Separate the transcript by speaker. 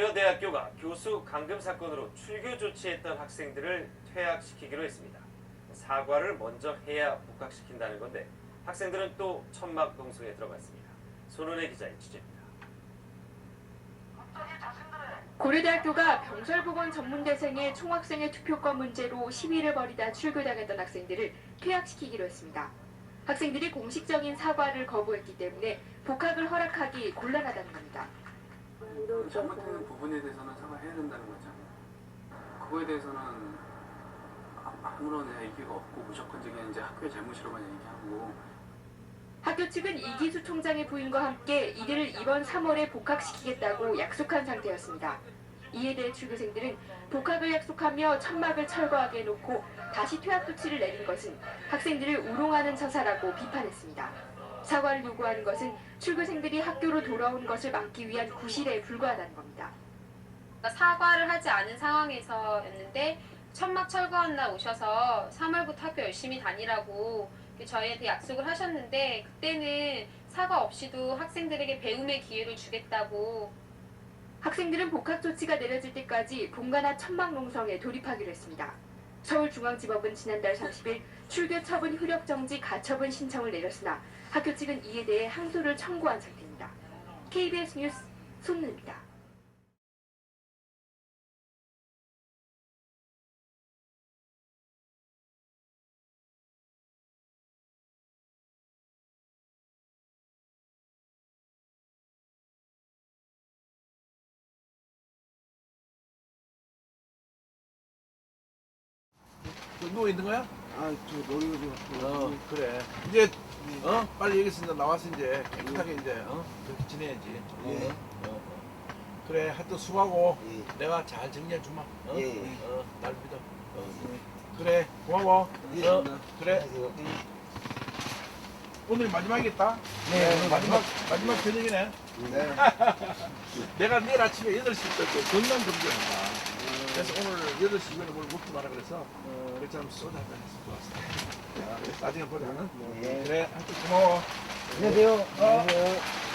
Speaker 1: 고려대학교가 교수 감금 사건으로 출교 조치했던 학생들을 퇴학시키기로 했습니다. 사과를 먼저 해야 복학시킨다는 건데 학생들은 또 천막 농성에 들어갔습니다. 손은혜 기자의 취재입니다.
Speaker 2: 고려대학교가 병설보건 전문대생의 총학생회 투표권 문제로 시위를 벌이다 출교당했던 학생들을 퇴학시키기로 했습니다. 학생들이 공식적인 사과를 거부했기 때문에 복학을 허락하기 곤란하다는 겁니다.
Speaker 3: 잘못된 부분에 대해서는 사과해야 된다는 거죠. 그거에 대해서는 아무런 얘기가 없고 무조건적인 이제 학교의 잘못이라고만 얘기하고.
Speaker 2: 학교 측은 이기수 총장의 부인과 함께 이들을 이번 3월에 복학시키겠다고 약속한 상태였습니다. 이에 대해 출교생들은 복학을 약속하며 천막을 철거하게 해놓고 다시 퇴학 조치를 내린 것은 학생들을 우롱하는 처사라고 비판했습니다. 사과를 요구하는 것은 출교생들이 학교로 돌아온 것을 막기 위한 구실에 불과하다는 겁니다.
Speaker 4: 사과를 하지 않은 상황에서였는데 천막 철거한 날 오셔서 3월부터 학교 열심히 다니라고 저희한테 약속을 하셨는데 그때는 사과 없이도 학생들에게 배움의 기회를 주겠다고.
Speaker 2: 학생들은 복학 조치가 내려질 때까지 본관앞 천막 농성에 돌입하기로 했습니다. 서울중앙지법은 지난달 30일 출교 처분 효력 정지 가처분 신청을 내렸으나 학교 측은 이에 대해 항소를 청구한 상태입니다. KBS 뉴스 손은혜입니다.
Speaker 5: 누워 있는 거야?
Speaker 6: 아, 저 놀이고
Speaker 5: 그래. 이제 빨리 여기서 이제 나와서 이제 깨끗하게 이제 그렇게 지내야지.
Speaker 6: 예.
Speaker 5: 그래. 하여튼 수고하고
Speaker 6: 예.
Speaker 5: 내가 잘 정리해 주마.
Speaker 6: 예.
Speaker 5: 날 믿어. 그래. 고마워.
Speaker 6: 예.
Speaker 5: 그래. 오늘 마지막이겠다.
Speaker 6: 네, 오늘
Speaker 5: 마지막 저녁이네.
Speaker 6: 네.
Speaker 5: 내가 내일 아침에 8시부터 건강 검진한다. 그래서 오늘 8시 이후에 뭘 먹지 마라 그래서 그래서 소주 한잔 해서 좋았어. 나중에 보자.
Speaker 6: 네.
Speaker 5: 그래. 하여튼 고마워.
Speaker 6: 안녕하세요. 안녕하세요.